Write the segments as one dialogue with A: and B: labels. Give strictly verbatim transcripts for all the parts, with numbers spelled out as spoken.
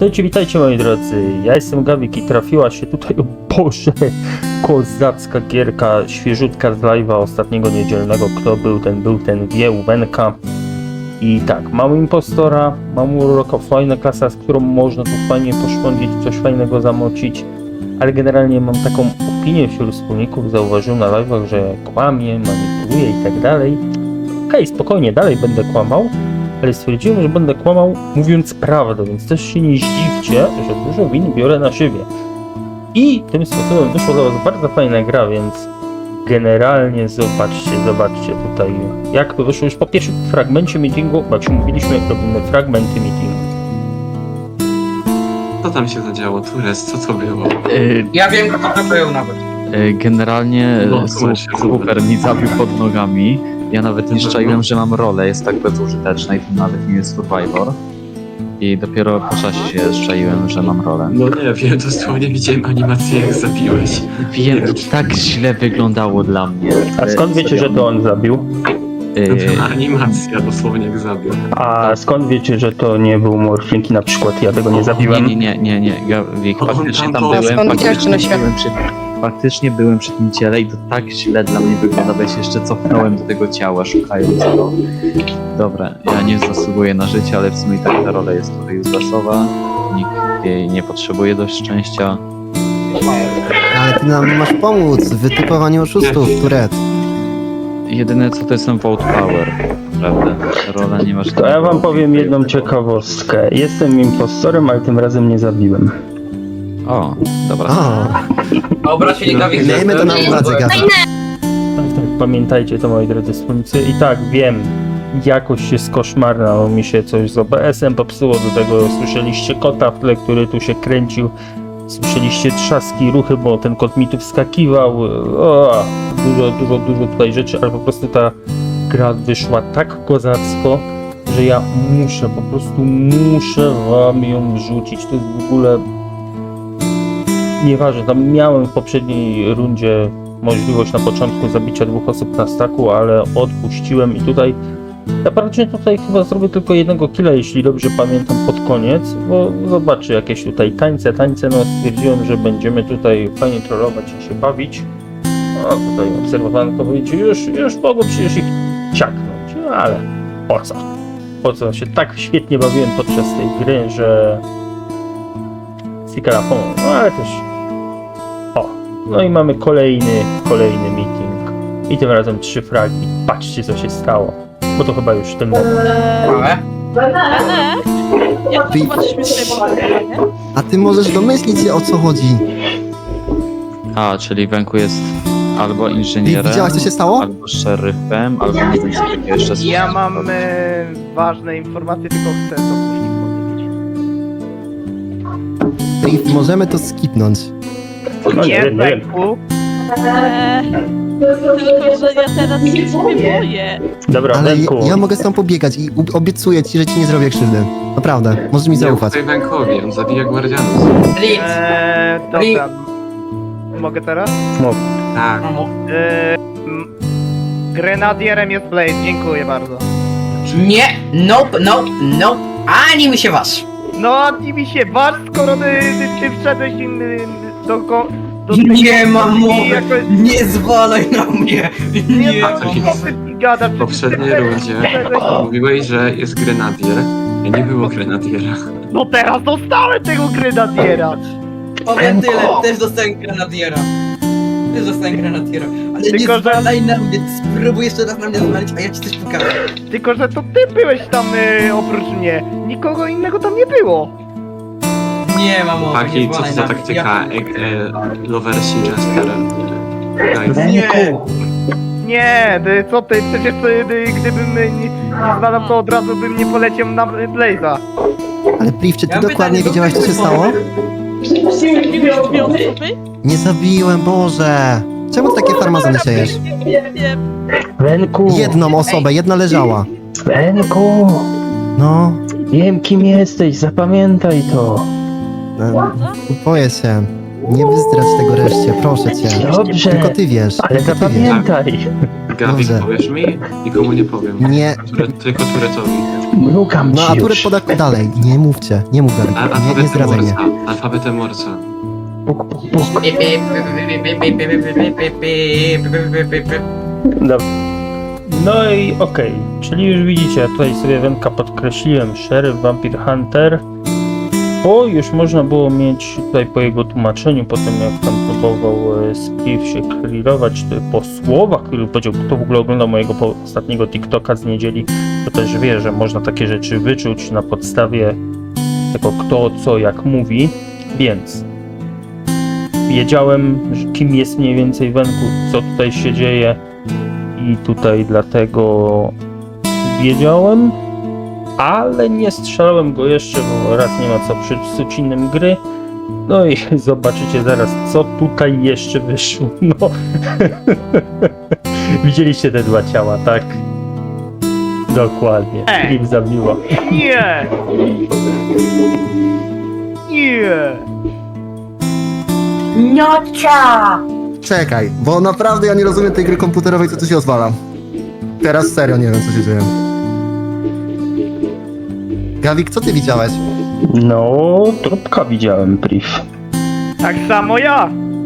A: Witajcie, witajcie moi drodzy, ja jestem Gawik i trafiła się tutaj, o Boże, kozacka gierka, świeżutka z live'a ostatniego niedzielnego, kto był, ten był, ten wie, Uwenka. I tak, mam impostora, mam uroka, fajna klasa, z którą można tu fajnie poszpądzić, coś fajnego zamocić, ale generalnie mam taką opinię wśród wspólników, zauważyłem na live'ach, że kłamie, manipuluje i tak dalej. Okej, okay, spokojnie, dalej będę kłamał, ale stwierdziłem, że będę kłamał mówiąc prawdę, więc też się nie zdziwcie, że dużo win biorę na siebie. I tym sposobem wyszła dla was bardzo fajna gra, więc generalnie zobaczcie, zobaczcie tutaj jak to wyszło już po pierwszym fragmencie meetingu, bo jak się mówiliśmy, robimy fragmenty meetingu.
B: Co tam się zadziało, Tures? Co to było?
C: Yy,
D: Ja wiem, kto to był nawet.
C: yy, generalnie
B: No,
C: su-
B: się
C: super mi zabił pod nogami. Ja nawet nie szczaiłem, że mam rolę, jest tak bezużyteczna i to nawet nie jest Survivor. I dopiero po czasie się szczaiłem, że mam rolę.
B: No nie wiem, dosłownie widziałem animację, jak zabiłeś.
C: Wiem, tak źle wyglądało dla mnie.
A: A skąd wiecie, że to on zabił?
C: Yy,
B: Animacja dosłownie jak zabił.
A: A skąd wiecie, że to nie był Morfinki na przykład, ja tego nie
C: nie,
A: zabiłem?
C: nie, nie, nie, nie, Gawik,
B: On
C: faktycznie
B: tam
C: tam
B: był.
C: byłem,
D: Skąd widziałeś,
C: faktycznie
D: że na
C: byłem przy, faktycznie byłem przy tym ciele i to tak źle dla mnie wygląda, bo ja się jeszcze cofnąłem do tego ciała, szukając go. Dobra, ja nie zasługuję na życie, ale w sumie tak ta rola jest tutaj uselessowa. Nikt jej nie potrzebuje do szczęścia.
E: Ale ty nam masz pomóc w wytypowaniu oszustów, Turet.
C: Jedyne co to jest ten vote power, prawda? Rola nie masz...
A: To ja wam powiem jedną ciekawostkę. Jestem impostorem, ale tym razem nie zabiłem.
C: O, dobra.
E: O,
D: Dobra, czyli Gawik...
E: miejmy to na uwadze, Gawik.
A: Tak, tak, pamiętajcie to moi drodzy wspólnicy. I tak, wiem, jakość jest koszmarna, bo mi się coś z O B S em popsuło, do tego słyszeliście kota w tle, który tu się kręcił. Słyszeliście trzaski, ruchy, bo ten kot mi tu wskakiwał. O, dużo, dużo, dużo tutaj rzeczy, ale po prostu ta gra wyszła tak kozacko, że ja muszę, po prostu muszę wam ją wrzucić. To jest w ogóle... Nieważne, tam miałem w poprzedniej rundzie możliwość na początku zabicia dwóch osób na staku, ale odpuściłem i tutaj ja praktycznie tutaj chyba zrobię tylko jednego killa, jeśli dobrze pamiętam, pod koniec, bo zobaczę jakieś tutaj tańce, tańce, no stwierdziłem, że będziemy tutaj fajnie trollować i się bawić. No tutaj obserwowanko wyjdzie, już, już mogło przecież ich ciaknąć, no ale po co? Po co? Się tak świetnie bawiłem podczas tej gry, że Sikara pomógł, no ale też o, no i mamy kolejny, kolejny meeting i tym razem trzy fragi, patrzcie co się stało, bo to chyba już ten moment.
D: Ale?
F: Ale jak
E: Ty-
F: zobaczysz mnie tutaj pomagać, nie?
E: A ty możesz domyślić się, o co chodzi.
C: A, czyli Wenku jest albo
E: Ty
C: inżynierem,
E: widziałaś, co się stało?
C: albo szeryfem, albo nie wiem co takiego jeszcze z-
G: Ja mam e, ważne informacje, tylko chcę to później powiedzieć.
E: Ty, możemy to skipnąć.
A: No nie
G: Nie,
A: wiem, nie wiem.
G: Wenku,
F: Eee, tylko, że ja teraz się ciebie boję.
A: Dobra,
E: Ale
A: Wenku,
E: ja, ja mogę z tą pobiegać i u- obiecuję ci, że ci nie zrobię krzywdy. Naprawdę, możesz mi
B: Nie
E: zaufać.
B: ufaj Wękowi, on zabija guardianów.
D: Blitz.
G: e, dobra. Mogę teraz?
A: mów.
B: Tak.
G: E, m, grenadierem jest Blaze, dziękuję bardzo.
D: Nie, nope, nope, nope. Ani mi się wasz.
G: No, nie mi się waż, skoro ty, ty, ty wszedłeś im y, do... go- do
D: Nie mam
G: i
D: mowy.
G: jakoś-
D: Nie zwalaj na mnie.
G: Nie,
D: Nie.
G: no, co ty gadasz?
B: W poprzedniej
G: Ty- ty-
B: rundzie
G: wszedłeś-
B: mówiłeś, że jest grenadier, a nie było grenadiera.
G: No teraz dostałem tego grenadiera!
D: Powiem tyle, też dostałem grenadiera. Też dostałem grenadiera. Ale
G: Tylko,
D: nie
G: że-
D: zwalaj na mnie. Spróbuj jeszcze raz na mnie zwalić, a ja ci coś pokażę.
G: Tylko, że to ty byłeś tam y, oprócz mnie. Nikogo innego tam nie było.
D: Nie mam mowy,
B: Taki,
D: nie
B: co to
D: zwalaj
B: za
D: na mnie.
B: taktyka? E, e, Loversi Jester. Tak.
G: Nie! Nie, ty, co ty? Przecież ty, ty, gdybym y, nie, nie znalazł, to od razu bym nie poleciał na y, Blaze'a.
E: Ale Priv, czy ty
D: Ja mam
E: dokładnie
D: pytanie,
E: wiedziałaś, co się stało?
F: Zabiłeś dwie osoby?
E: Nie zabiłem, Boże! Czemu ty takie farmazony siejesz?
F: Nie wiem.
A: Wenku,
E: Jedną osobę, jedna leżała.
A: Wenku,
E: No,
A: wiem kim jesteś, zapamiętaj to.
E: no, boję się. Nie wyzdrać tego reszcie, proszę cię.
A: Dobrze,
E: Tylko ty wiesz.
A: ale
E: tylko ty wiesz.
A: zapamiętaj.
B: Gawik,
E: Dobrze.
B: powiesz mi? Nikomu nie powiem.
E: Nie.
B: Ture, tylko Turetowi.
A: Mrugam
E: No
A: ci
E: a Turet
A: już.
E: poda dalej. Nie mówcie. Nie mów Gawik.
B: A,
E: Nie, nie
B: alfabetem
E: zdradzaj mnie.
B: Morsa. Alfabetem Morsa.
A: Puk, puk, puk. Dobra. No i okej, czyli już widzicie, ja tutaj sobie Wenka podkreśliłem, Sheriff, Vampire Hunter, bo już można było mieć tutaj po jego tłumaczeniu, po tym jak tam próbował e, Spliff się clearować, czy po słowach, który powiedział, kto w ogóle oglądał mojego po- ostatniego TikToka z niedzieli, to też wie, że można takie rzeczy wyczuć na podstawie tego kto, co, jak mówi, więc wiedziałem, że kim jest mniej więcej Wenku, co tutaj się dzieje i tutaj dlatego wiedziałem, ale nie strzelałem go jeszcze, bo raz nie ma co przypsuć innym gry. No i zobaczycie zaraz, co tutaj jeszcze wyszło. No. Widzieliście te dwa ciała, tak? Dokładnie.
G: Ej.
A: Film zabiło.
G: Nie! Nie!
E: Czekaj, bo naprawdę ja nie rozumiem tej gry komputerowej, co tu się odwala. Teraz serio nie wiem, co się dzieje. Gawik, co ty widziałeś?
A: No, trupka widziałem, Priv.
G: Tak samo ja!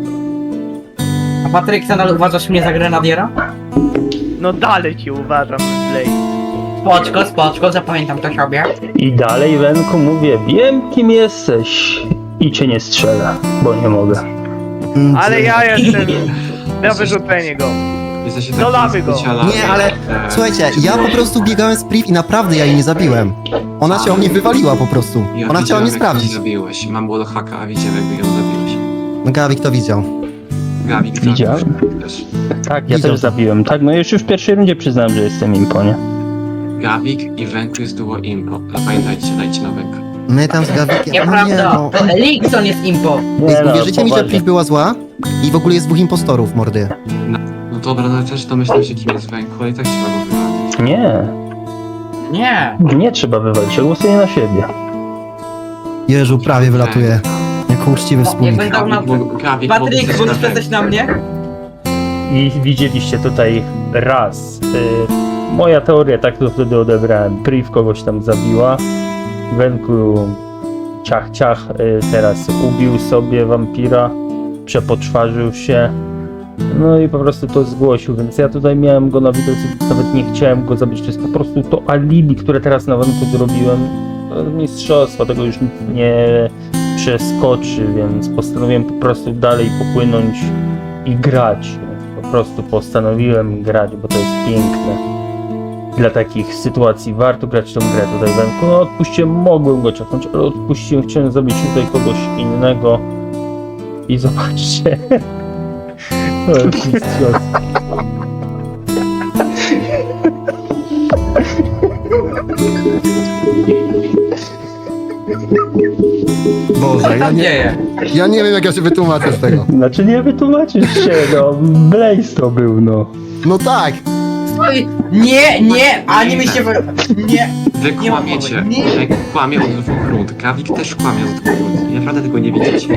D: A Patryk, nadal uważasz mnie za grenadiera?
G: No dalej cię uważam, Blaze.
D: Spoczko, spoczko, zapamiętam to sobie.
A: I dalej, Wenku, mówię, wiem kim jesteś. I cię nie strzelę, bo nie mogę.
E: Mm,
G: Ale
E: czy-
G: ja jestem na wyrzucenie go.
B: Jesteście
G: Do lawy
B: tacy
G: go.
B: specjalami.
E: Nie, ale
B: E,
E: słuchajcie, ja po prostu biegałem z Priv i naprawdę ja jej nie zabiłem. Ona się o mnie wywaliła po prostu.
B: ja
E: Ona
B: widziałem,
E: chciała mnie
B: jak ją
E: sprawdzić.
B: zabiłeś. Mam wallhacka, a widziałem jak ją zabiłeś.
E: No Gawik to widział.
B: Gawik,
A: Widziałem.
B: zabiłeś też.
A: Tak, ja
E: Widział
A: też
E: to.
A: zabiłem. Tak, no już w pierwszej rundzie przyznałem, że jestem impo, nie?
B: Gawik i Wenku jest duo impo. Zapamiętajcie, dajcie na Wenka.
E: My tam z Gawikiem... no nie,
D: Nieprawda,
E: no.
D: to Elikson jest impo.
A: Nie, no,
E: Wierzycie mi, że
A: poważnie.
E: Priv była zła? I w ogóle jest dwóch impostorów, mordy.
B: No dobra, no też domyślam się kim jest Wenku, ale i tak trzeba go wywalić.
A: Nie,
D: Nie.
A: nie trzeba wywalić, ja głosuję na siebie.
E: Jeżu, prawie wylatuje. Jako uczciwy
D: Nie
E: wspólnik.
D: będę na...
B: Gawik, mógł- Gawik,
D: Patryk,
B: mógł
D: możesz
B: coś na
D: przestać na mnie?
A: I widzieliście tutaj raz. Y, moja teoria, tak to wtedy odebrałem. Priv kogoś tam zabiła. Wenku ciach ciach y, teraz ubił sobie wampira. Przepoczwarzył się. No i po prostu to zgłosił, więc ja tutaj miałem go na widoku, nawet nie chciałem go zabić. To jest po prostu to alibi, które teraz na Wenku zrobiłem. No, mistrzostwa, tego już nikt nie przeskoczy, więc postanowiłem po prostu dalej popłynąć i grać. Po prostu postanowiłem grać, bo to jest piękne. Dla takich sytuacji warto grać tą grę tutaj Wenku. No odpuściłem, mogłem go czekać, ale odpuściłem, chciałem zrobić tutaj kogoś innego. I zobaczcie. To jest mistrzostwo.
E: Boże, ja
D: Tam
E: nie,
D: dzieje.
E: ja nie wiem jak ja się wytłumaczę z tego.
A: Znaczy nie wytłumaczysz się, no. Blaze to był, no.
E: No tak,
D: Oj, nie, nie, ani mi się... wy- Nie.
B: Wy
D: Nie ma
B: kłamiecie.
D: mowy. Nie.
B: Wy kłamie od dwóch rund. Gawik też kłamie od dwóch rund. Naprawdę tego nie widzicie.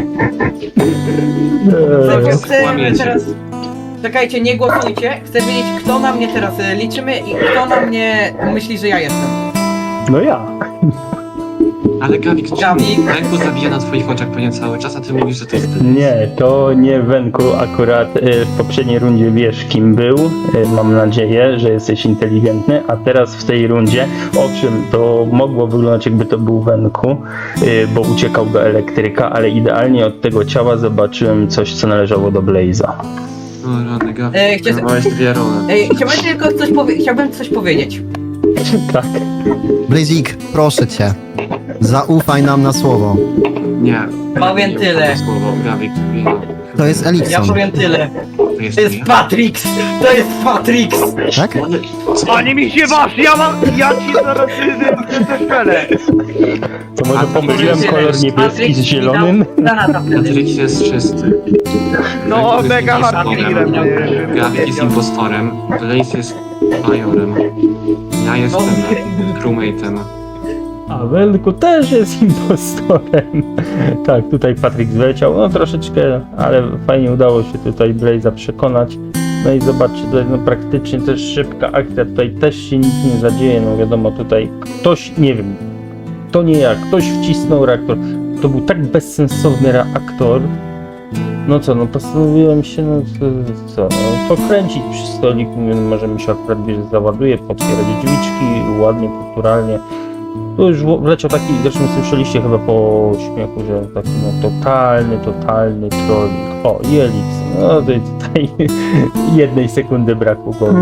A: Eee,
D: Chcę
B: Kłamiecie.
D: teraz... Czekajcie, nie głosujcie. Chcę wiedzieć, kto na mnie teraz e, liczymy i kto na mnie myśli, że ja jestem.
A: no ja.
B: Ale Gawik, czemu?
D: Gawik.
B: Wenku zabija na twoich oczach pewnie cały czas, a ty mówisz, że to jest ty.
A: Nie, to nie Wenku akurat y, w poprzedniej rundzie wiesz kim był. Y, mam nadzieję, że jesteś inteligentny, a teraz w tej rundzie, owszem, to mogło wyglądać jakby to był Wenku, y, bo uciekał do elektryka, ale idealnie od tego ciała zobaczyłem coś, co należało do Blaze'a.
B: No rany, Gawik,
D: Ej, chcesz-
B: miałeś dwie role.
D: Ej, chciałbym tylko coś powie- chciałbym coś powiedzieć.
A: Tak.
E: Blazik, proszę cię. Zaufaj nam na słowo.
B: Nie.
D: Powiem
B: nie,
D: tyle.
B: to Słowo, Gawik. nie.
E: To jest
D: Ja
E: Elikson,
D: powiem tyle.
B: To jest
D: To jest
B: ja.
D: Patrix! To jest Patrix!
E: tak?
B: Ale co?
G: Ani mi się wasz, ja mam... Ja ci zaraz zestrzelę.
A: To może
B: A,
A: pomyliłem
D: Patrix-
A: kolor niebieski
D: Patrix
A: z
D: mi
A: zielonym?
D: dał granata wtedy.
B: Patryk jest czysty.
G: No,
B: Wenku jest
G: mega
B: impostorem.
G: hardcorem, y,
B: Gawik jest
G: powiedział.
B: impostorem. Blaze jest majorem. Ja jestem crewmate'em.
A: A Wenku też jest impostorem. Tak, tutaj Patryk zleciał, no troszeczkę, ale fajnie udało się tutaj Blaze'a przekonać. No i zobaczcie, tutaj no praktycznie też szybka akcja, tutaj też się nic nie zadzieje, no wiadomo, tutaj ktoś, nie wiem, to nie ja, ktoś wcisnął reaktor. To był tak bezsensowny reaktor. No co, no postanowiłem się, no co, co no, pokręcić przy stoliku, mówię, no może mi się akurat wiesz, załaduje, potwierdzić drzwiczki, ładnie, kulturalnie. To już wleciał taki, zresztą słyszeliście chyba po śmiechu, że taki no totalny, totalny trolling. O, i Elix, no to tutaj jednej sekundy brakło go.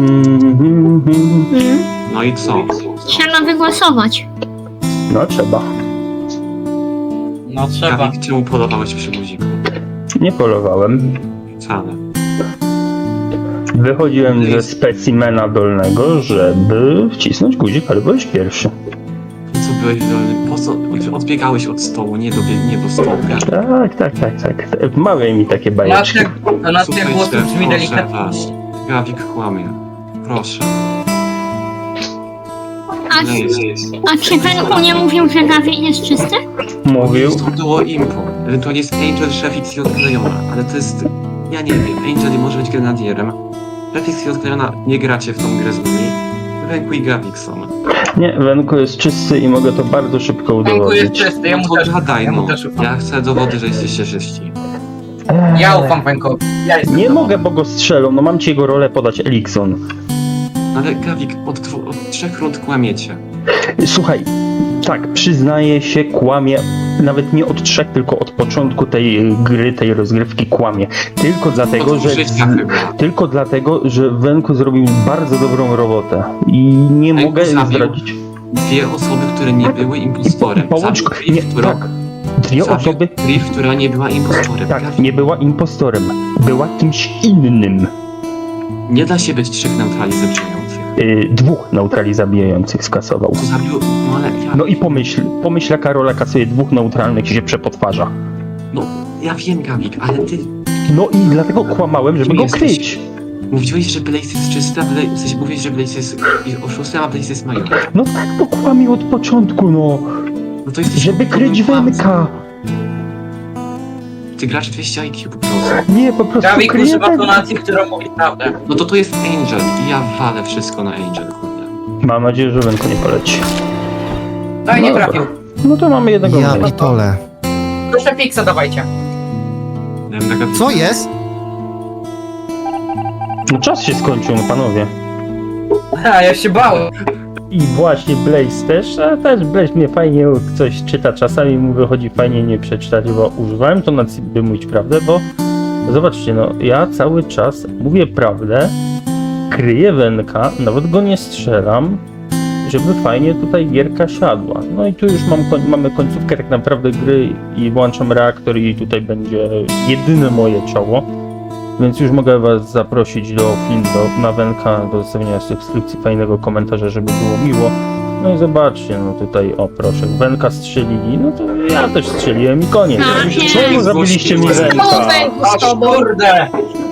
B: No i co?
H: Trzeba wygłosować.
A: No trzeba.
D: No trzeba.
B: Gawik, czemu polowałeś przy guziku?
A: Nie polowałem.
B: Wcale.
A: Wychodziłem ze specimena dolnego, żeby wcisnąć guzik, ale byłeś pierwszy.
B: I co byłeś dolny? Po co? Odbiegałeś od stołu, nie do, nie do stołu.
A: Tak, tak, tak, tak. Mawiaj mi takie bajeczki.
D: Donacja, donacja głosu brzmi
B: proszę
D: delikatnie.
B: was. Gawik kłamie. Proszę.
H: A, a czy Wenku nie mówił, że Gawik jest czysty?
A: Mówił.
B: To było impo. Ewentualnie jest Angel, Szefix i odklejona. Ale to jest... Ja nie wiem. Angel może być grenadierem. Szefix i odklejona nie gracie w tą grę z nami. Wenku i Gawik są.
A: Nie, Wenku jest czysty i mogę to bardzo szybko
D: Wenku jest
A: udowodnić.
D: czysty, ja
B: No
D: mu
B: to
D: też,
B: gadaj,
D: ja mu
B: no.
D: też ufam.
B: Ja chcę dowody, że jesteście czyści.
D: Ja ufam Wenkowi. Ja jestem
A: Nie
D: za-
A: mogę, bo go strzelą. No mam ci jego rolę podać, Elikson.
B: Ale Gawik, od, dwu, od trzech rund kłamiecie.
A: Słuchaj, tak, przyznaję się, kłamie. Nawet nie od trzech, tylko od początku tej gry, tej rozgrywki kłamie. Tylko dlatego,
B: Od
A: że...
B: życia chyba.
A: Tylko dlatego, że Wenku zrobił bardzo dobrą robotę. I nie
B: Wenku
A: mogę
B: zabił
A: zdradzić.
B: Dwie osoby, które nie były impostorem.
A: Połącz...
B: Zabił Priv,
A: Nie,
B: którą...
A: tak. Dwie
B: zabił
A: osoby...
B: Priv, która nie była impostorem.
A: Tak,
B: Gawik,
A: nie była impostorem. Była kimś innym.
B: nie da się być trzech neutrali zabijających.
A: Yy, dwóch neutrali zabijających skasował.
B: To zabił... No ale ja...
A: No i pomyśl, pomyśl jaka rola kasuje dwóch neutralnych i się przepotwarza.
B: No, ja wiem, Gawik, ale ty...
A: No i dlatego kłamałem, żeby
B: Kim
A: go
B: jesteś?
A: kryć.
B: Mówiłeś, że Blaze jest czysty, a Blaze... W sensie mówiłeś, że Blaze jest oszustem, a Blaze jest majorem.
A: No tak, bo kłamie od początku, no.
B: No to jesteś...
A: Żeby kryć
B: kłamcą.
A: Wenka.
B: Ty grasz dwieście I Q po prostu.
A: Nie, po prostu
D: Gawik
A: kryje
D: używa
A: Wenka.
D: tonacji, która mówi prawdę.
B: No to to jest Angel i ja walę wszystko na Angel, kurde.
A: Mam nadzieję, że Wenko nie poleci.
D: No i nie
A: Dobra.
D: trafił.
A: No to mamy jednego
E: Ja
A: mniej.
E: pitole.
D: Proszę Pixa dawajcie.
B: Dałem na Gawika.
E: Co jest?
A: No czas się skończył, no panowie.
D: Ha, ja się bałem.
A: I właśnie Blaze też, a też Blaze mnie fajnie coś czyta, czasami mu wychodzi fajnie nie przeczytać, bo używałem to na by mówić prawdę, bo zobaczcie, no ja cały czas mówię prawdę, kryję Wenka, nawet go nie strzelam, żeby fajnie tutaj gierka siadła. No i tu już mam, koń- mamy końcówkę tak naprawdę gry i włączam reaktor i tutaj będzie jedyne moje czoło. Więc już mogę was zaprosić do filmu, do, na Wenka, do zostawienia subskrypcji, fajnego komentarza, żeby było miło. No i zobaczcie, no tutaj, o proszę, Wenka strzelili, no to ja też strzeliłem i koniec.
H: Tak jest.
A: Czemu zabiliście mi Wenka?
H: O, Wenku z
D: Aż
H: tobą.
D: kurde!